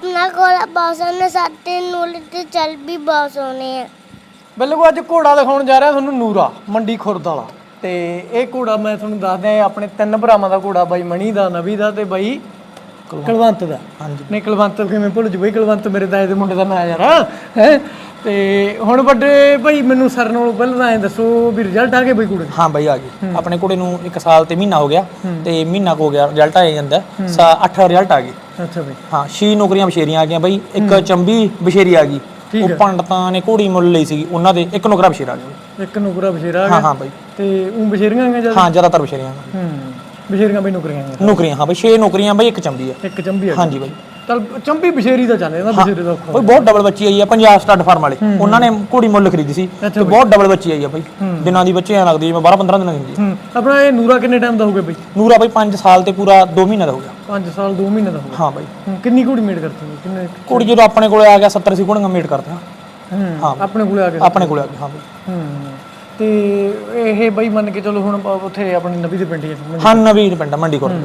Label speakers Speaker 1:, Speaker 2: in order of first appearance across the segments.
Speaker 1: अपना घोड़ा बहुत सोने साथे नूले ते चल भी बहुत सोने हैं।
Speaker 2: ਬਿਲਕੁਲ ਅੱਜ ਘੋੜਾ ਦਿਖਾਉਣ ਜਾ ਰਿਹਾ ਤੁਹਾਨੂੰ ਨੂਰਾ ਮੰਡੀ ਖੁਰਦ ਵਾਲਾ ਤੇ ਇਹ ਘੋੜਾ ਮੈਂ ਤੁਹਾਨੂੰ ਦੱਸਦਾ ਆਪਣੇ ਤਿੰਨ ਭਰਾਵਾਂ ਦਾ ਘੋੜਾ ਬਾਈ ਮਣੀ ਦਾ ਨਵੀ ਦਾ ਤੇ ਬਾਈ ਕੁਲਵੰਤ ਦਾ। ਹਾਂਜੀ ਨਹੀਂ ਕੁਲਵੰਤ ਕਿਵੇਂ ਭੁੱਲ ਜੂ ਬਈ, ਕੁਲਵੰਤ ਮੇਰੇ ਦਾਏ ਦੇ ਮੁੰਡੇ ਦਾ ਨਾਂ ਯਾਰ ਹੈ। ਤੇ ਹੁਣ ਵੱਡੇ ਭਾਈ ਮੈਨੂੰ ਸਰ ਨਾਲੋਂ ਪਹਿਲਾਂ ਐਂ ਦੱਸੋ ਵੀ ਰਿਜ਼ਲਟ ਆ ਗਏ ਬਈ ਘੋੜੇ ਦੇ?
Speaker 3: ਹਾਂ ਬਾਈ ਆ ਗਏ ਆਪਣੇ ਘੋੜੇ ਨੂੰ 1 ਸਾਲ ਤੇ ਮਹੀਨਾ ਹੋ ਗਿਆ ਤੇ ਮਹੀਨਾ ਹੋ ਗਿਆ ਰਿਜ਼ਲਟ ਆ ਜਾਂਦਾ 8 ਰਿਜ਼ਲਟ ਆ ਗਏ।
Speaker 2: ਅੱਛਾ ਬਈ
Speaker 3: ਹਾਂ 6 ਨੌਕਰੀਆਂ ਬਸ਼ੇਰੀਆਂ ਆ ਗਈਆਂ ਬਾਈ, ਇੱਕ ਚੰਬੀ ਬਸ਼ੇਰੀ ਆ ਗਈ, ਉਹ ਪੰਡਤਾਂ ਨੇ ਘੋੜੀ ਮੁੱਲ ਲਈ ਸੀ ਉਹਨਾਂ ਦੇ, ਇੱਕ ਨੌਕਰਾ ਬਸ਼ੇਰਾ ਆ ਗਿਆ।
Speaker 2: ਇੱਕ ਨੌਕਰਾ ਬਸ਼ੇਰਾ ਆ ਗਿਆ।
Speaker 3: ਹਾਂ ਹਾਂ ਬਾਈ
Speaker 2: ਤੇ ਉਹ ਬਸ਼ੇਰੀਆਂ ਆ
Speaker 3: ਹਾਂ ਜ਼ਿਆਦਾਤਰ ਬਸ਼ੇਰੀਆਂ
Speaker 2: ਬਸ਼ੇਰੀਆਂ ਬਈ ਨੌਕਰੀਆਂ
Speaker 3: ਨੌਕਰੀਆਂ ਹਾਂ ਬਾਈ 6 ਨੌਕਰੀਆਂ ਬਾਈ, ਇੱਕ ਚੰਬੀ ਆ।
Speaker 2: ਇੱਕ ਚੰਬੀ ਆ
Speaker 3: ਹਾਂਜੀ ਬਾਈ
Speaker 2: ਚਲ ਚੰਬੀ ਬਸ਼ੇਰੀ ਦਾ ਚੱਲ ਜਾਂਦਾ ਬਸ਼ੇਰੇ ਦਾ
Speaker 3: ਬਾਈ ਬਹੁਤ ਡਬਲ ਬੱਚੀ ਆਈ ਆ ਪੰਜਾਬ ਸਟੱਡ ਫਾਰਮ ਵਾਲੇ, ਉਹਨਾਂ ਨੇ ਘੋੜੀ ਮੁੱਲ ਖਰੀਦੀ ਸੀ ਤੇ ਬਹੁਤ ਡਬਲ ਬੱਚੀ ਆਈ ਆ ਬਾਈ, ਦਿਨਾਂ ਦੀ ਬੱਚੀ ਐ ਲੱਗਦੀ ਜਿਵੇਂ 12-15 ਦਿਨਾਂ ਦੀ ਹੁੰਦੀ ਹੈ।
Speaker 2: ਆਪਣਾ ਇਹ ਨੂਰਾ ਕਿੰਨੇ ਟਾਈਮ ਦਾ ਹੋ ਗਿਆ ਬਈ?
Speaker 3: ਨੂਰਾ ਬਾਈ 5 ਸਾਲ ਤੇ ਪੂਰਾ 2 ਮਹੀਨੇ ਦਾ ਹੋ ਗਿਆ।
Speaker 2: 5 ਸਾਲ 2 ਮਹੀਨੇ ਦਾ ਹੋ ਗਿਆ।
Speaker 3: ਹਾਂ ਬਾਈ
Speaker 2: ਕਿੰਨੀ ਘੋੜੀ ਮੇਡ ਕਰਤੀ ਬਈ? ਕਿੰਨੇ
Speaker 3: ਘੋੜੀ ਜਦੋਂ ਆਪਣੇ ਕੋਲੇ ਆ ਗਿਆ 70-80 ਘੋੜੀਆਂ ਮੇਟ ਕਰਦਾ।
Speaker 2: ਹਾਂ ਆਪਣੇ ਕੋਲੇ ਆ ਗਿਆ।
Speaker 3: ਆਪਣੇ ਕੋਲੇ ਆ ਗਿਆ ਹਾਂ ਬਾਈ।
Speaker 2: ਤੇ ਇਹ ਬਈ ਮੰਨ ਕੇ ਚਲੋ ਹੁਣ ਉੱਥੇ ਆਪਣੀ ਨਵੀ ਦੇ ਪਿੰਡ ਹੀ
Speaker 3: ਹਾਂ ਨਵੀਂ ਪਿੰਡ ਮੰਡੀ ਕੋਲ।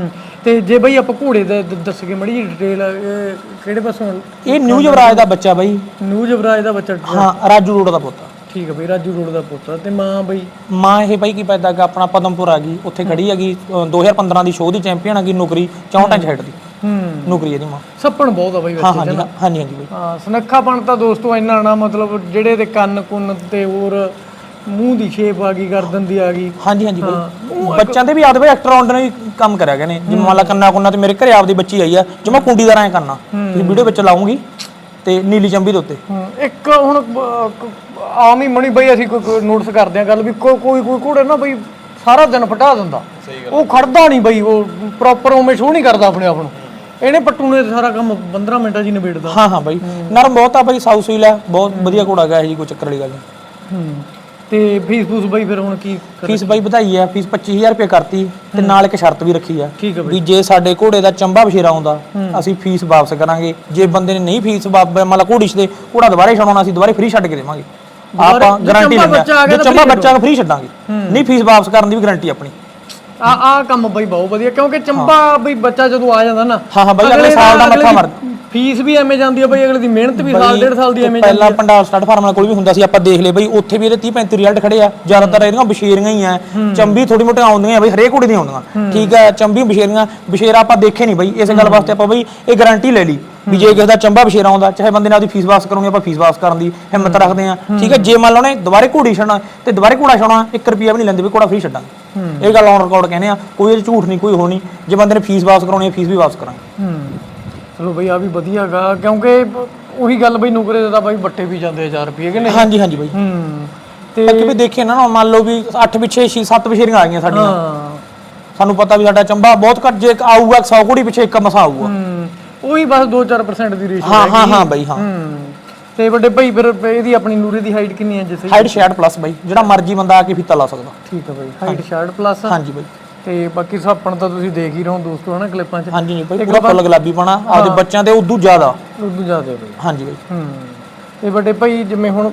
Speaker 2: ਤੇ ਜੇ ਬਈ ਆਪਾਂ ਘੋੜੇ ਦਾ ਦੱਸ ਕੇ ਮੜੀ ਡਿਟੇਲ ਕਿਹੜੇ ਪਾਸੋਂ?
Speaker 3: ਇਹ ਨਿਊ ਯੁਵਰਾਜ ਦਾ ਬੱਚਾ ਬਾਈ।
Speaker 2: ਨਿਊ ਯੁਵਰਾਜ ਦਾ ਬੱਚਾ?
Speaker 3: ਹਾਂ ਰਾਜੂ ਰੋਡ ਦਾ ਪੁੱਤ।
Speaker 2: ਠੀਕ ਹੈ ਬਈ ਰਾਜੂ ਰੋਡ ਦਾ ਪੁੱਤ। ਤੇ ਮਾਂ ਬਈ?
Speaker 3: ਮਾਂ ਇਹ ਬਾਈ ਕੀ ਪੈਦਾ ਹੈਗਾ ਆਪਣਾ ਪਦਮਪੁਰ ਆ ਗਈ, ਉੱਥੇ ਖੜੀ ਹੈਗੀ 2015 ਦੀ ਸ਼ੋਅ ਦੀ ਚੈਂਪੀਅਨ ਹੈਗੀ, ਨੌਕਰੀ 64 ਇੰਚ ਹੈਡ ਦੀ ਨੌਕਰੀ ਇਹਦੀ ਮਾਂ।
Speaker 2: ਸੱਪਣ ਬਹੁਤ ਆ ਬਾਈ
Speaker 3: ਹਾਂ ਹਾਂਜੀ ਹਾਂਜੀ ਬਾਈ।
Speaker 2: ਹਾਂ ਸੁਨੱਖਾਪਣ ਤਾਂ ਦੋਸਤੋ ਇੰਨਾ ਨਾ ਮਤਲਬ ਜਿਹੜੇ ਦੇ ਕੰਨ ਕੁੰਨ ਤੇ ਹੋਰ ਮੂੰਹ ਦੀ ਸ਼ੇਪ ਆ ਗਈ, ਗਰਦਨ ਦੀ ਆ ਗਈ।
Speaker 3: ਹਾਂਜੀ ਹਾਂਜੀ ਬਾਈ ਬੱਚਿਆਂ ਤੇ ਵੀ ਆਦੇ ਬਾਈ ਐਕਟਰ ਨੇ ਵੀ ਕੰਮ ਕਰਿਆ ਗਏ ਨੇ, ਜਿਵੇਂ ਮੰਨ ਲਾ ਕੰਨਾ ਕੁੰਨਾ ਤੇ ਮੇਰੇ ਘਰੇ ਆਪਦੀ ਬੱਚੀ ਆਈ ਆ ਜਿਵੇਂ ਕੁੰਡੀਦਾਰ ਐ ਕਰਨਾ, ਤੁਸੀਂ ਵੀਡੀਓ ਵਿੱਚ ਲਾਉਂਗੀ ਤੇ ਨੀਲੀ ਚੰਬੀ ਦੇ ਉੱਤੇ।
Speaker 2: ਇੱਕ ਹੁਣ ਆਮ ਹੀ ਮਣੀ ਬਈ ਅਸੀਂ ਕੋਈ ਨੋਟਿਸ ਕਰਦੇ ਆ ਗੱਲ ਵੀ ਕੋਈ ਘੋੜੇ ਨਾ ਬਈ ਸਾਰਾ ਦਿਨ ਫਟਾ ਦਿੰਦਾ, ਉਹ ਖੜਦਾ ਨਹੀਂ ਬਈ, ਉਹ ਪ੍ਰੋਪਰ ਉਵੇਂ ਸ਼ੋਅ ਨਹੀਂ ਕਰਦਾ ਆਪਣੇ ਆਪ ਨੂੰ। ਇਹਨੇ ਪੱਟੂ ਨੇ ਸਾਰਾ ਕੰਮ 15 ਮਿੰਟਾਂ 'ਚ ਹੀ ਨਿਬੇੜਦਾ।
Speaker 3: ਹਾਂ ਹਾਂ ਬਾਈ ਨਰਮ ਬਹੁਤ ਆ ਬਾਈ, ਸਾਊ ਸੀਲ ਆ, ਬਹੁਤ ਵਧੀਆ ਘੋੜਾ ਗਿਆ ਜੀ, ਕੋਈ ਚੱਕਰ ਵਾਲੀ ਗੱਲ ਨਹੀਂ।
Speaker 2: ਤੇ ਫੀਸ ਫੂਸ ਬਾਈ ਫਿਰ ਹੁਣ ਕੀ?
Speaker 3: ਫੀਸ ਬਾਈ ਵਧਾਈ ਆ, ਫੀਸ 25000 ਰੁਪਏ ਕਰਤੀ ਤੇ ਨਾਲ ਇੱਕ ਸ਼ਰਤ ਵੀ ਰੱਖੀ ਆ ਵੀ ਜੇ ਸਾਡੇ ਘੋੜੇ ਦਾ ਚੰਬਾ ਬਸ਼ੇਰਾ ਆਉਂਦਾ ਅਸੀਂ ਫੀਸ ਵਾਪਸ ਕਰਾਂਗੇ, ਜੇ ਬੰਦੇ ਨੇ ਨਹੀਂ ਫੀਸ ਮੰਨ ਲਾ ਘੋੜੀ ਦੇ ਘੋੜਾ ਦੁਬਾਰੇ ਛਡਾਉਣਾ ਅਸੀਂ ਦੁਬਾਰੇ ਫ੍ਰੀ ਛੱਡ ਕੇ ਦੇਵਾਂਗੇ, ਆਪਾਂ ਗਾਰੰਟੀ ਲੈਂਦੇ ਆ। ਜੇ ਚੰਬਾ ਬੱਚਾ ਫ੍ਰੀ ਛੱਡਾਂਗੇ, ਨਹੀਂ ਫੀਸ ਵਾਪਸ ਕਰਨ ਦੀ ਵੀ ਗਾਰੰਟੀ ਆਪਣੀ।
Speaker 2: ਆ ਕੰਮ ਬਈ ਬਹੁਤ ਵਧੀਆ, ਕਿਉਂਕਿ ਚੰਬਾ ਬਈ ਬੱਚਾ ਜਦੋਂ ਆ ਜਾਂਦਾ ਨਾ
Speaker 3: ਹਾਂ ਹਾਂ ਬਈ ਅਗਲੇ ਸਾਲ ਦਾ ਮੱਥਾ ਮਾਰ
Speaker 2: ਫੀਸ ਵੀ ਐਵੇਂ ਜਾਂਦੀ ਆ ਬਈ, ਅਗਲੇ ਦੀ ਮਿਹਨਤ ਵੀ ਸਾਲ ਡੇਢ ਸਾਲ ਦੀ ਐਵੇਂ ਜਾਂਦੀ ਆ।
Speaker 3: ਪਹਿਲਾਂ ਪੰਡਾਲ ਸਟੱਡ ਫਾਰਮ ਕੋਲ ਵੀ ਹੁੰਦਾ ਸੀ, ਆਪਾਂ ਦੇਖ ਲਏ ਬਈ ਉੱਥੇ ਵੀ ਇਹਦੇ 30-35 ਰਿਜ਼ਲਟ ਖੜੇ ਆ, ਜ਼ਿਆਦਾਤਰ ਇਹਦੀਆਂ ਬਸ਼ੇਰੀਆਂ ਹੀ ਆ, ਚੰਬੀ ਥੋੜੀ ਮੋਟੀ ਆਉਂਦੀਆਂ ਬਈ, ਹਰੇਕ ਘੋੜੇ ਦੀਆਂ ਆਉਂਦੀਆਂ ਠੀਕ ਹੈ, ਚੰਬੀ ਬਸ਼ੇਰੀਆਂ ਬਸ਼ੇਰਾ ਆਪਾਂ ਦੇਖੇ ਨਹੀਂ ਬਈ, ਇਸ ਗੱਲ ਵਾਸਤੇ ਆਪਾਂ ਬਈ ਇਹ ਗਾਰੰਟੀ ਲੈ ਲਈ ਵੀ ਜੇ ਕਿਸੇ ਦਾ ਚੰਬਾ ਬਸ਼ੇਰਾ ਆਉਂਦਾ ਚਾਹੇ ਬੰਦੇ ਨੇ ਆਪਦੀ ਫੀਸ ਵਾਪਸ ਕਰਾਉਣੀ, ਆਪਾਂ ਫੀਸ ਵਾਪਸ ਕਰਨ ਦੀ ਹਿੰਮਤ ਰੱਖਦੇ ਆ ਠੀਕ ਹੈ। ਜੇ ਮੰਨ ਲਓ ਨੇ ਦੁਬਾਰੇ ਘੋੜੀ ਛੱਡਣਾ ਤੇ ਦੁਬਾਰੇ ਘੋੜਾ ਛਾਉਣਾ 1 ਰੁਪਿਆ ਵੀ ਨਹੀਂ ਲੈਂਦੇ ਵੀ ਘੋੜਾ ਫ੍ਰੀ ਛੱਡਾਂਗੇ, ਇਹ ਗੱਲ ਔਨ ਰਿਕਾਰਡ ਕਹਿੰਦੇ ਆ, ਕੋਈ ਇਹ ਝੂਠ ਨਹੀਂ ਕੋਈ ਹੋਣੀ। ਜੇ ਬੰਦੇ ਨੇ ਫੀਸ ਵਾਪਸ ਕਰਾਉਣੀ ਹੈ ਫੀਸ ਵੀ ਵਾਪਸ ਕਰਾਂਗੇ।
Speaker 2: ਚਲੋ ਬਈ ਆ ਵੀ ਵਧੀਆ ਗਾ, ਕਿਉਂਕਿ ਉਹੀ ਗੱਲ ਬਈ ਨੁਕਰੇ ਦਾ ਬਾਈ ਬੱਟੇ ਵੀ ਜਾਂਦੇ 1000 ਰੁਪਏ ਕਿ ਨਹੀਂ?
Speaker 3: ਹਾਂਜੀ ਹਾਂਜੀ ਬਾਈ ਤੇ ਅੱਗੇ ਵੀ ਦੇਖੇ ਨਾ ਮੰਨ ਲਓ ਵੀ 8 ਪਿੱਛੇ 6-7 ਬਸ਼ੇਰੀਆਂ ਆ ਗਈਆਂ ਸਾਡੀਆਂ, ਸਾਨੂੰ ਪਤਾ ਵੀ ਸਾਡਾ ਚੰਬਾ ਬਹੁਤ ਘੱਟ, ਜੇ ਆਊਗਾ 100 ਘੋੜੀ ਪਿੱਛੇ ਇੱਕ ਮਸਾ ਆਊਗਾ,
Speaker 2: ਉਹੀ ਬਸ 2-4% ਦੀ ਰੇਸ਼ੋ।
Speaker 3: ਹਾਂ ਹਾਂ ਹਾਂ ਬਾਈ ਹਾਂ।
Speaker 2: ਤੇ ਵੱਡੇ ਭਾਈ ਫਿਰ ਇਹਦੀ ਆਪਣੀ ਨੂਰੇ ਦੀ ਹਾਈਟ ਕਿੰਨੀ ਹੈ? ਜਿਵੇਂ
Speaker 3: ਹਾਈਟ 66 ਪਲੱਸ ਬਾਈ, ਜਿਹੜਾ ਮਰਜ਼ੀ ਬੰਦਾ ਆ ਕੇ ਫੀਤਾ ਲਾ ਸਕਦਾ।
Speaker 2: ਠੀਕ ਹੈ ਬਾਈ ਹਾਈਟ 66 ਪਲੱਸ।
Speaker 3: ਹਾਂਜੀ ਬਾਈ
Speaker 2: ਤੇ ਬਾਕੀ ਸਾਪਣ ਤਾਂ ਤੁਸੀਂ ਦੇਖ ਹੀ ਰਹੇ ਹੋ ਦੋਸਤੋ ਹਨਾ ਕਲਿੱਪਾਂ 'ਚ।
Speaker 3: ਹਾਂਜੀ ਜੀ ਬਾਈ ਪੂਰਾ ਫੁੱਲ ਗੁਲਾਬੀ ਪਾਣਾ ਆਪਦੇ ਬੱਚਿਆਂ ਦੇ ਉਦੋਂ ਜ਼ਿਆਦਾ
Speaker 2: ਬਾਈ।
Speaker 3: ਹਾਂਜੀ ਬਾਈ
Speaker 2: ਤੇ ਵੱਡੇ ਭਾਈ ਜਿਵੇਂ ਹੁਣ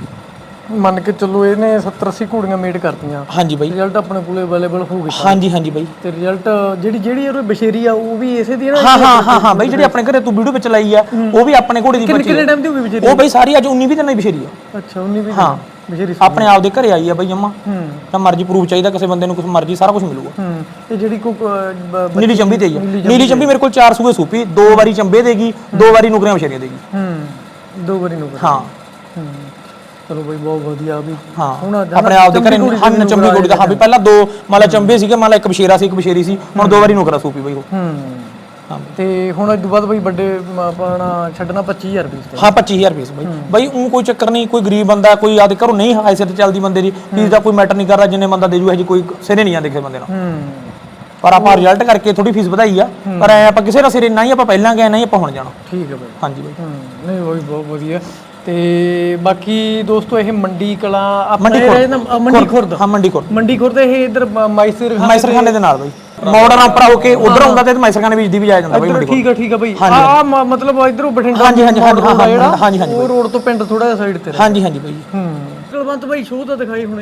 Speaker 2: ਮੰਨ ਕੇ ਚੱਲੋ ਇਹਨੇ 70-80 ਘੋੜੀਆਂ ਮੇਡ ਕਰਤੀਆਂ।
Speaker 3: ਹਾਂਜੀ ਬਾਈ
Speaker 2: ਰਿਜ਼ਲਟ ਆਪਣੇ ਕੋਲੇ ਅਵੇਲੇਬਲ ਹੋ ਗਏ।
Speaker 3: ਹਾਂਜੀ ਹਾਂਜੀ ਬਾਈ
Speaker 2: ਤੇ ਰਿਜ਼ਲਟ ਜਿਹੜੀ ਇਹ ਬਸ਼ੇਰੀ ਆ ਉਹ ਵੀ ਇਸੇ ਦੀ ਨਾ?
Speaker 3: ਹਾਂ ਬਾਈ ਜਿਹੜੀ ਆਪਣੇ ਘਰੇ ਤੂੰ ਵੀਡੀਓ ਵਿੱਚ ਲਾਈ ਆ ਉਹ ਵੀ ਆਪਣੇ ਘੋੜੇ ਦੀ ਬੱਚੀ।
Speaker 2: ਕਿੰਨੇ ਟਾਈਮ ਦੀ ਹੋ ਗਈ ਬਸ਼ੇਰੀ?
Speaker 3: ਉਹ ਬਾਈ ਸਾਰੀ ਅੱਜ 19-20 ਦਿਨਾਂ ਦੀ ਬਸ਼ੇਰੀ ਆ।
Speaker 2: ਅੱਛਾ 19-20
Speaker 3: ਹਾਂ
Speaker 2: ਬਸ਼ੇਰੀ
Speaker 3: ਆਪਣੇ ਆਪ ਦੇ ਘਰੇ ਆਈ ਆ ਬਾਈ ਜੰਮਾ, ਤਾਂ ਮਰਜ਼ੀ ਪ੍ਰੂਫ ਚਾਹੀਦਾ ਕਿਸੇ ਬੰਦੇ ਨੂੰ, ਕੁਝ ਮਰਜ਼ੀ ਸਾਰਾ ਕੁਝ ਮਿਲੂਗਾ।
Speaker 2: ਤੇ ਜਿਹੜੀ
Speaker 3: ਨੀਲੀ ਚੰਬੀ ਤੇ ਆ, ਨੀਲੀ ਚੰਬੀ ਮੇਰੇ ਕੋਲ 4 ਸੂਏ ਸੂਪੀ, 2 ਵਾਰੀ ਚੰਬੇ ਦੇਗੀ, 2 ਵਾਰੀ ਨੁਕਰੀਆਂ ਬਸ਼ੇਰੀਆਂ ਦੇਗੀ।
Speaker 2: 2 ਵਾਰੀ ਨੁਕਰ।
Speaker 3: ਹਾਂ
Speaker 2: ਚਲੋ ਬਈ ਬਹੁਤ ਵਧੀਆ ਵੀ।
Speaker 3: ਹਾਂ ਆਪਣੇ ਆਪ ਦੇ ਘਰੇ ਹਨ ਚੰਬੀ ਘੋੜੀ ਦਾ। ਹਾਂ ਵੀ ਪਹਿਲਾਂ 2 ਮਾਲਾ ਚੰਬੇ ਸੀਗੇ, ਮਾਲਾ ਇੱਕ ਬਸ਼ੇਰਾ ਸੀ ਇੱਕ ਬਸ਼ੇਰੀ ਸੀ, ਹੁਣ 2 ਵਾਰੀ ਨੁਕਰਾ ਸੂਪੀ ਬਈ ਉਹ। ਤੇ ਹੁਣ ਇਸ ਤੋਂ ਬਾਅਦ ਬਈ ਵੱਡੇ ਆਪਣਾ ਛੱਡਣਾ 25000 ਰੁਪਏ। ਹਾਂ 25000 ਰੁਪਏ ਬਈ ਉਹ ਕੋਈ ਚੱਕਰ ਨਹੀਂ, ਕੋਈ ਗਰੀਬ ਬੰਦਾ ਕੋਈ ਆਦੇ ਘਰੋਂ ਨਹੀਂ ਹਾਇਸੇ ਤੇ ਚੱਲਦੀ ਬੰਦੇ ਦੀ ਫੀਸ ਦਾ ਕੋਈ ਮੈਟਰ ਨਹੀਂ ਕਰਦਾ, ਜਿੰਨੇ ਬੰਦਾ ਦੇ ਜੂ ਇਹ ਜੀ ਕੋਈ ਸਿਰੇ ਨਹੀਂ ਜਾਂਦੇ ਕਿਸੇ ਬੰਦੇ ਨਾਲ। ਪਰ ਆਪਾਂ ਰਿਜ਼ਲਟ ਕਰਕੇ ਥੋੜੀ ਫੀਸ ਵਧਾਈ ਆ, ਪਰ ਐ ਆਪਾਂ ਕਿਸੇ ਦਾ ਸਿਰੇ ਨਾ ਹੀ ਆਪਾਂ ਪਹਿਲਾਂ ਗਏ ਨਾ ਹੀ ਆਪਾਂ ਹੁਣ ਜਾਣਾ। ਠੀਕ ਹੈ ਬਈ। ਹਾਂਜੀ ਬਈ
Speaker 2: ਨਹੀਂ ਬਈ ਬਹੁਤ ਵਧੀਆ। ਤੇ ਬਾਕੀ ਦੋਸਤੋ ਇਹ ਮੰਡੀ ਕਲਾਂ ਮੰਡੀ ਖੁਰਦ।
Speaker 3: ਹਾਂ ਮੰਡੀ ਖੁਰਦ।
Speaker 2: ਮੰਡੀ ਖੁਰਦ ਇਹ ਇਧਰ
Speaker 3: ਮਾਈਸਰਖਾਨੇ ਦੇ ਨਾਲ ਬਈ ਮੋੜਨ ਉੱਪਰ ਹੋ ਕੇ ਉਧਰ ਆਉਂਦਾ ਤੇ ਮਾਈਸਰਖਾਨੇ ਵਿੱਚ ਦੀ ਵੀ ਜਾਇਆ ਜਾਂਦਾ ਬਈ।
Speaker 2: ਠੀਕ ਆ ਬਈ। ਆ ਮਤਲਬ ਇਧਰੋਂ ਬਠਿੰਡਾ। ਹਾਂਜੀ
Speaker 3: ਹਾਂਜੀ
Speaker 2: ਉਹ ਰੋਡ ਤੋਂ ਪਿੰਡ ਥੋੜਾ ਜਿਹਾ ਸਾਈਡ ਤੇ।
Speaker 3: ਹਾਂਜੀ ਬਈ।
Speaker 2: ਕੁਲਵੰਤ ਬਾਈ ਸ਼ੋਅ ਤਾਂ ਦਿਖਾਈ ਹੋਣੇ ਆ?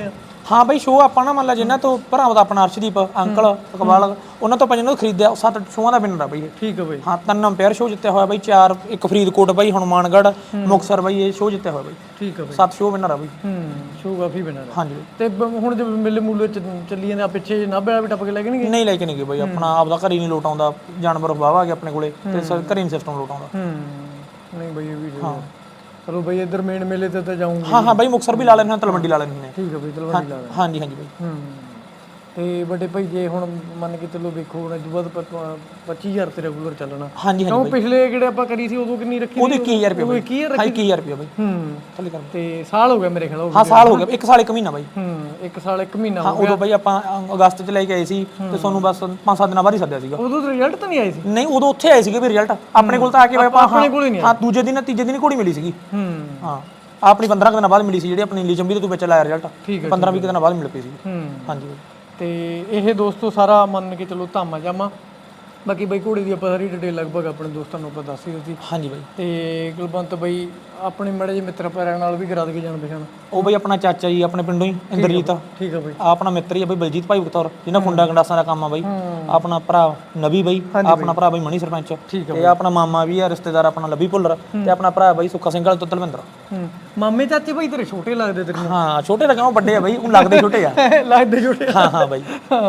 Speaker 3: ਹਾਂ ਬਾਈ ਸ਼ੋਅ ਆਪਾਂ ਨਾ ਮੰਨ ਲਾ ਜਿੰਨਾ ਤੋਂ ਭਰਾਵਾਂ ਦਾ ਆਪਣਾ ਅਰਸ਼ਦੀਪ ਅੰਕਲ ਇਕਬਾਲ ਉਹਨਾਂ ਤੋਂ ਆਪਾਂ ਜਿਹਨਾਂ ਤੋਂ ਖਰੀਦਿਆ 7 ਸ਼ੋਆਂ ਦਾ ਵਿਨਰ ਆ ਬਾਈ ਇਹ।
Speaker 2: ਠੀਕ ਹੈ ਬਾਈ।
Speaker 3: ਹਾਂ 3 ਅੰਪਾਇਰ ਸ਼ੋਅ ਜਿੱਤਿਆ ਹੋਇਆ ਬਾਈ, 4 ਇੱਕ ਫਰੀਦਕੋਟ ਬਾਈ, ਹਨੂਮਾਨਗੜ੍ਹ, ਮੁਕਤਸਰ ਬਾਈ ਇਹ ਸ਼ੋਅ ਜਿੱਤਿਆ ਹੋਇਆ ਬਾਈ।
Speaker 2: ਠੀਕ ਹੈ ਬਾਈ।
Speaker 3: 7 ਸ਼ੋਅ ਵਿਨਰ ਆ ਬਾਈ।
Speaker 2: ਸ਼ੋਅ ਕਾਫੀ ਬਣਾ ਰਿਹਾ।
Speaker 3: ਹਾਂਜੀ
Speaker 2: ਤੇ ਹੁਣ ਜੇ ਮੇਲੇ ਮੂਲੇ ਚ ਚੱਲੀ ਜਾਂਦੇ ਆ ਪਿੱਛੇ ਨਾਭੇ ਵਾਲਾ ਵੀ ਟੱਪ ਕੇ ਲੈ ਕੇ ਨਹੀਂ ਗਏ?
Speaker 3: ਨਹੀਂ ਲੈ ਕੇ ਨਹੀਂ ਗਏ ਬਾਈ, ਆਪਣਾ ਆਪਦਾ ਘਰ ਹੀ ਨਹੀਂ ਲੋਟ ਆਉਂਦਾ, ਜਾਨਵਰ ਵਾਵਾ ਆ ਗਿਆ ਆਪਣੇ ਕੋਲੇ ਤੇ ਘਰੇ ਨਹੀਂ ਸਿਸਟਮ ਲੋਟ ਆਉਂਦਾ।
Speaker 2: ਨਹੀਂ ਬਾਈ ਇਹ ਵੀ ਹਾਂ ਚਲੋ ਬਾਈ ਇੱਧਰ ਮੇਨ ਮੇਲੇ ਤੇ ਤਾਂ ਜਾਊਂਗੇ।
Speaker 3: ਹਾਂ ਬਾਈ ਮੁਕਤਸਰ ਵੀ ਲਾ ਲੈਂਦੇ ਹਾਂ, ਤਲਵੰਡੀ ਲਾ ਲੈਂਦੇ ਨੇ।
Speaker 2: ਠੀਕ ਹੈ ਬਾਈ ਤਲਵੰਡੀ ਲਾ ਲੈਂਦੇ।
Speaker 3: ਹਾਂਜੀ ਬਾਈ।
Speaker 2: ਤੇ ਵੱਡੇ ਭਾਈ ਜੇ ਹੁਣ ਮੰਨ ਕੇ ਚੱਲੋ ਵੇਖੋ ਹੁਣ ਤੋਂ ਬਾਅਦ 25000 ਤੇ ਰੈਗੂਲਰ ਚੱਲਣਾ।
Speaker 3: ਹਾਂਜੀ
Speaker 2: ਕਿਉਂ ਪਿਛਲੇ ਜਿਹੜੇ ਆਪਾਂ ਕਰੀ ਸੀ ਉਦੋਂ ਕਿੰਨੀ ਰੱਖੀ?
Speaker 3: ਉਹਦੇ 21000 ਰੁਪਏ ਬਾਈ।
Speaker 2: 21000
Speaker 3: ਰੁਪਏ ਬਾਈ। ਥੱਲੇ ਕਰ।
Speaker 2: ਤੇ ਸਾਲ ਹੋ ਗਿਆ ਮੇਰੇ ਖਿਆਲ।
Speaker 3: ਹਾਂ ਸਾਲ ਹੋ ਗਿਆ, 1 ਸਾਲ 1 ਮਹੀਨਾ ਬਾਈ।
Speaker 2: 1 ਸਾਲ 1 ਮਹੀਨਾ
Speaker 3: ਹਾਂ ਉਦੋਂ ਬਾਈ ਆਪਾਂ ਅਗਸਤ ਚ ਲੈ ਕੇ ਆਏ ਸੀ ਤੇ ਤੁਹਾਨੂੰ ਬਸ 5-7 ਦਿਨਾਂ ਬਾਅਦ ਹੀ ਸੱਦਿਆ ਸੀਗਾ।
Speaker 2: ਉਦੋਂ ਰਿਜ਼ਲਟ ਤਾਂ ਨਹੀਂ ਆਏ ਸੀ?
Speaker 3: ਨਹੀਂ ਉਦੋਂ ਉੱਥੇ ਆਏ ਸੀਗੇ ਵੀ ਰਿਜ਼ਲਟ ਆਪਣੇ ਕੋਲ ਤਾਂ ਆ ਕੇ ਆਪਾਂ
Speaker 2: ਆਪਣੇ ਕੋਲ ਹੀ ਨਹੀਂ
Speaker 3: ਹਾਂ ਦੂਜੇ ਦਿਨ ਤੀਜੇ ਦਿਨ ਘੋੜੀ ਮਿਲੀ ਸੀਗੀ। ਹਾਂ ਆਪਣੀ 15 ਦਿਨਾਂ ਬਾਅਦ ਮਿਲੀ ਸੀ ਜਿਹੜੀ ਆਪਣੀ ਨੀਲੀ ਚੰਬੀ ਤੋਂ ਤੂੰ ਵਿੱਚ ਲਾਇਆ ਰਿਜ਼ਲਟ। 15-20 ਦਿਨਾਂ ਬਾਅਦ ਮਿਲ ਪਈ ਸੀ। ਹਾਂਜੀ
Speaker 2: ਤੇ ਇਹ ਦੋਸਤੋ ਸਾਰਾ ਮੰਨ ਕੇ ਚਲੋ ਧਾਮਾ ਜਾਮਾ। ਬਾਕੀ ਬਾਈ ਘੋੜੇ ਦੀ ਆਪਾਂ ਸਾਰੀ ਡਿਟੇਲ ਲਗਭਗ ਆਪਣੇ ਦੋਸਤਾਂ ਨੂੰ ਆਪਾਂ ਦੱਸ ਹੀ ਦਿੱਤੀ।
Speaker 3: ਹਾਂਜੀ ਬਾਈ।
Speaker 2: ਤੇ ਕੁਲਵੰਤ ਬਾਈ ਆਪਣੇ ਮੜੇ ਜਿਹੇ ਮਿੱਤਰ ਪੈਰਾਂ ਨਾਲ ਵੀ ਕਰਾ ਦੇ ਕੇ ਜਾਣ ਪਛਾਣ।
Speaker 3: ਉਹ ਬਾਈ ਆਪਣਾ ਚਾਚਾ ਜੀ ਆਪਣੇ ਪਿੰਡੋਂ ਹੀ ਇੰਦਰਜੀਤ।
Speaker 2: ਠੀਕ ਆ ਬਾਈ।
Speaker 3: ਆਪਣਾ ਮਿੱਤਰ ਹੀ ਆ ਬਾਈ ਬਲਜੀਤ ਭਾਈ ਬਤੌਰ ਜਿਹਨਾਂ ਖੁੰਡਾ ਗੰਡਾਸਾਂ ਦਾ ਕੰਮ ਆ ਬਾਈ। ਆਪਣਾ ਭਰਾ ਨਵੀ ਬਾਈ, ਆਪਣਾ ਭਰਾ ਬਾਈ ਮਣੀ ਸਰਪੰਚ ਤੇ ਆਪਣਾ ਮਾਮਾ ਵੀ ਆ ਰਿਸ਼ਤੇਦਾਰ ਆਪਣਾ ਲੱਭੀ ਭੁੱਲਰ ਤੇ ਆਪਣਾ ਭਰਾ ਬਾਈ ਸੁੱਖਾ ਸਿੰਘ ਵਾਲੇ ਤੋਂ ਤਲਵਿੰਦਰ।
Speaker 2: ਮਾਮੇ ਚਾਚੇ ਬਾਈ ਤੇਰੇ ਛੋਟੇ ਲੱਗਦੇ ਤੇਰੇ?
Speaker 3: ਹਾਂ ਛੋਟੇ ਤਾਂ ਕਿਉਂ ਵੱਡੇ ਆ ਬਾਈ, ਉਹ ਲੱਗਦੇ ਛੋਟੇ ਆ।
Speaker 2: ਲੱਗਦੇ ਛੋਟੇ।
Speaker 3: ਹਾਂ ਬਾਈ।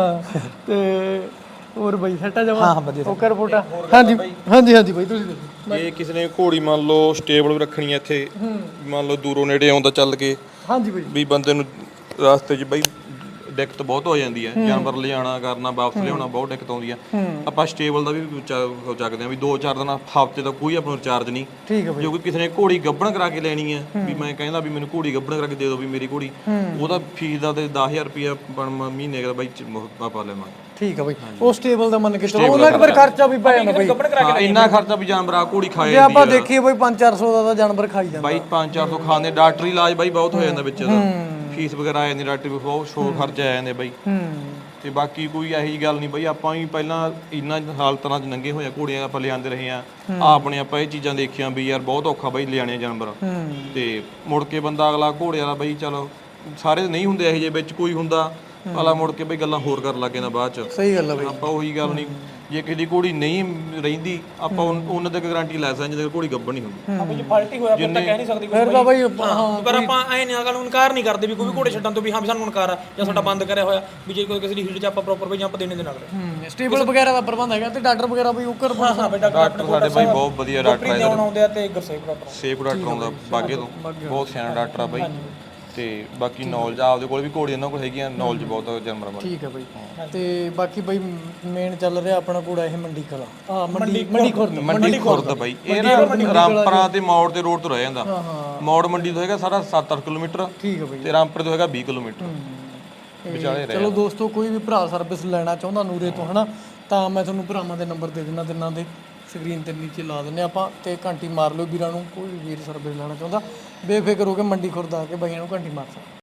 Speaker 2: ਤੇ ਹੋਰ ਬਾਈ ਸੱਟਾ ਜਮਾ?
Speaker 3: ਹਾਂ ਵਧੀਆ।
Speaker 2: ਓਕਰ ਫੋਟਾ? ਹਾਂਜੀ ਬਾਈ ਤੁਸੀਂ ਦੱਸੋ।
Speaker 4: ਜੇ ਕਿਸੇ ਨੇ ਘੋੜੀ ਮੰਨ ਲਓ ਸਟੇਬਲ ਵੀ ਰੱਖਣੀ ਹੈ ਇੱਥੇ, ਮੰਨ ਲਓ ਦੂਰੋਂ ਨੇੜੇ ਆਉਂਦਾ ਚੱਲ ਕੇ
Speaker 2: ਹਾਂਜੀ ਬਾਈ।
Speaker 4: ਵੀ ਬੰਦੇ ਨੂੰ ਰਸਤੇ 'ਚ ਬਈ ਦਿੱਕਤ ਬਹੁਤ ਹੋ ਜਾਂਦੀ ਹੈ, ਜਾਨਵਰ ਲਿਜਾਣਾ ਕਰਨਾ ਵਾਪਸ ਲਿਆਉਣਾ ਬਹੁਤ ਦਿੱਕਤ ਆਉਂਦੀ ਆ। ਆਪਾਂ ਸਟੇਬਲ ਦਾ ਵੀ ਚੱਕਦੇ ਆ ਵੀ 2-4 ਦਿਨ ਹਫ਼ਤੇ ਦਾ ਕੋਈ ਆਪਣਾ ਰਿਚਾਰਜ ਨਹੀਂ।
Speaker 2: ਠੀਕ ਹੈ ਬਾਈ।
Speaker 4: ਜੋ ਕਿ ਕਿਸੇ ਨੇ ਘੋੜੀ ਗੱਭਣ ਕਰਾ ਕੇ ਲੈਣੀ ਹੈ ਵੀ ਮੈਂ ਕਹਿੰਦਾ ਵੀ ਮੈਨੂੰ ਘੋੜੀ ਗੱਭਣ ਕਰਾ ਕੇ ਦੇ ਦਿਓ ਵੀ ਮੇਰੀ ਘੋੜੀ, ਉਹਦਾ ਫੀਸ ਦਾ ਤੇ 10000 ਰੁਪਇਆ ਮਹੀਨੇ ਦਾ ਬਾਈ ਆਪਾਂ ਲੈਵਾਂਗੇ।
Speaker 2: ਠੀਕ ਆ ਬਾਈ। ਉਹ ਸਟੇਬਲ ਦਾ ਮੰਨ ਕੇ ਚਲੋ ਉਹਨਾਂ ਦਾ ਖਰਚਾ ਵੀ ਪੈ ਜਾਂਦਾ ਬਾਈ।
Speaker 4: ਹਾਂ ਇੰਨਾ ਖਰਚਾ ਵੀ ਜਾਨਵਰ ਆ ਘੋੜੀ ਖਾਏ
Speaker 2: ਜੇ ਆਪਾਂ ਦੇਖੀਏ ਬਾਈ 500-400 ਦਾ ਤਾਂ ਜਾਨਵਰ ਖਾਈ ਜਾਂਦਾ
Speaker 4: ਬਾਈ। 500-400 ਖਾਂਦੇ, ਡਾਕਟਰੀ ਇਲਾਜ ਬਾਈ ਬਹੁਤ ਹੋ ਜਾਂਦਾ ਵਿੱਚ ਇਹਦਾ, ਫੀਸ ਵਗੈਰਾ ਆ ਜਾਂਦੀ, ਡਾਕਟਰ ਵੀ ਬਹੁਤ ਸ਼ੋਰ ਖਰਚੇ ਆ ਜਾਂਦੇ ਬਾਈ। ਤੇ ਬਾਕੀ ਕੋਈ ਇਹੋ ਜਿਹੀ ਗੱਲ ਨਹੀਂ ਬਾਈ, ਆਪਾਂ ਵੀ ਪਹਿਲਾਂ ਇੰਨਾ ਹਾਲਤਾਂ 'ਚ ਨੰਗੇ ਹੋਇਆ ਘੋੜੀਆਂ ਆਪਾਂ ਲਿਆਂਦੇ ਰਹੇ ਆ ਆਪਣੇ, ਆਪਾਂ ਇਹ ਚੀਜ਼ਾਂ ਦੇਖੀਆਂ ਵੀ ਯਾਰ ਬਹੁਤ ਔਖਾ ਬਾਈ ਲਿਆਣੇ ਜਾਨਵਰ। ਤੇ ਮੁੜ ਕੇ ਬੰਦਾ ਅਗਲਾ ਘੋੜੇ ਵਾਲਾ ਬਾਈ ਚਲੋ ਸਾਰੇ ਨਹੀਂ ਹੁੰਦੇ ਇਹੋ ਜਿਹੇ, ਵਿੱਚ ਕੋਈ ਹੁੰਦਾ ਅਗਲਾ ਮੁੜ ਕੇ ਬਈ ਗੱਲਾਂ ਹੋਰ ਕਰਨ ਲੱਗ ਜਾਂਦਾ ਬਾਅਦ 'ਚ।
Speaker 2: ਸਹੀ ਗੱਲ ਆ ਬਾਈ।
Speaker 4: ਆਪਾਂ ਉਹੀ ਗੱਲ ਨਹੀਂ, ਜੇ ਕਿਸੇ ਦੀ ਘੋੜੀ ਨਹੀਂ ਰਹਿੰਦੀ ਆਪਾਂ ਉਹਨਾਂ ਤੱਕ ਗਾਰੰਟੀ ਲੈ ਸਕਦੇ ਜਦੋਂ ਘੋੜੀ ਗੱਭਣ ਨਹੀਂ ਹੁੰਦੀ।
Speaker 3: ਆਪਾਂ ਜੇ ਫਾਲਟੀ ਹੋਇਆ ਫਿਰ ਤਾਂ ਕਹਿ ਨਹੀਂ ਸਕਦੇ
Speaker 2: ਫਿਰ ਤਾਂ ਬਾਈ
Speaker 3: ਪਰ ਆਪਾਂ ਐ ਨਹੀਂ ਗੱਲ ਨੂੰ ਇਨਕਾਰ ਨਹੀਂ ਕਰਦੇ ਵੀ ਕੋਈ ਵੀ ਘੋੜੇ ਛੱਡਣ ਤੋਂ ਵੀ ਹਾਂ ਵੀ ਸਾਨੂੰ ਇਨਕਾਰ ਆ ਜਾਂ ਸਾਡਾ ਬੰਦ ਕਰਿਆ ਹੋਇਆ ਵੀ ਜੇ ਕੋਈ ਕਿਸੇ ਦੀ ਹੀਟ 'ਚ ਆਪਾਂ ਪ੍ਰੋਪਰ ਬਈ ਜੰਪ ਦੇਣੇ ਦੇ ਨਾਲ।
Speaker 2: ਸਟੇਬਲ ਵਗੈਰਾ ਦਾ ਪ੍ਰਬੰਧ ਹੈਗਾ ਤੇ ਡਾਕਟਰ ਵਗੈਰਾ ਬਈ ਉੱਕਰ?
Speaker 3: ਹਾਂ ਬੇਟਾ
Speaker 4: ਡਾਕਟਰ ਸਾਡੇ ਬਾਈ ਬਹੁਤ ਵਧੀਆ ਡਾਕਟਰ ਆ,
Speaker 3: ਆਉਂਦੇ ਆ ਤੇ ਗੁਰਸੇਵ ਡਾਕਟਰ
Speaker 4: ਸੇਫ ਡਾਕਟਰ ਆਉਂਦਾ ਬਾਗੇ ਤੋਂ, ਬਹੁਤ ਸਿਆਣਾ ਡਾਕਟਰ ਆ ਬਾਈ। ਤੇ ਬਾਕੀ ਨੌਲੇਜ ਆਪਦੇ ਕੋਲ ਵੀ ਘੋੜੀ ਇਹਨਾਂ ਕੋਲ ਹੈਗੀਆਂ, ਨੌਲੇਜ ਬਹੁਤ ਜਾਨਵਰਾਂ ਬਾਰੇ।
Speaker 2: ਠੀਕ ਹੈ ਬਾਈ। ਤੇ ਬਾਕੀ ਬਾਈ ਮੇਨ ਚੱਲ ਰਿਹਾ ਆਪਣਾ ਘੋੜਾ ਇਹ ਮੰਡੀ ਕਲਾ
Speaker 4: ਮੰਡੀ ਖੁਰਦ ਬਾਈ। ਇਹ ਰਾਮਪਰਾ ਤੇ ਮੌੜ ਤੇ ਰੋਡ ਤੋਂ ਰਹਿ ਜਾਂਦਾ। ਮੌੜ ਮੰਡੀ ਤੋਂ ਹੈਗਾ ਸਾਰਾ 7-8 ਕਿਲੋਮੀਟਰ।
Speaker 2: ਠੀਕ ਹੈ ਬਾਈ।
Speaker 4: ਤੇ ਰਾਮਪੁਰ ਤੋਂ ਹੈਗਾ 20 ਕਿਲੋਮੀਟਰ ਵਿਚਾਲੇ ਰਹਿ।
Speaker 2: ਚਲੋ ਦੋਸਤੋ ਕੋਈ ਵੀ ਭਰਾ ਸਰਵਿਸ ਲੈਣਾ ਚਾਹੁੰਦਾ ਨੂਰੇ ਤੋਂ ਹਨਾ ਤਾਂ ਮੈਂ ਤੁਹਾਨੂੰ ਭਰਾਵਾਂ ਦੇ ਨੰਬਰ ਦੇ ਦਿੰਦਾ, ਤਿੰਨਾਂ ਦੇ ਸਕਰੀਨ ਤੇ ਨੀਚੇ ਲਾ ਦਿੰਨੇ ਆਪਾਂ ਤੇ ਘੰਟੀ ਮਾਰ ਲਿਓ ਵੀਰਾਂ ਨੂੰ, ਕੋਈ ਵੀ ਵੀਰ ਸਰਵਿਸ ਲੈਣਾ ਚਾਹੁੰਦਾ ਬੇਫਿਕਰ ਹੋ ਕੇ ਮੰਡੀ ਖੁਰਦ ਆ ਕੇ ਬਾਈਆਂ ਨੂੰ ਘੰਟੀ ਮਾਰ ਸਕਦਾ।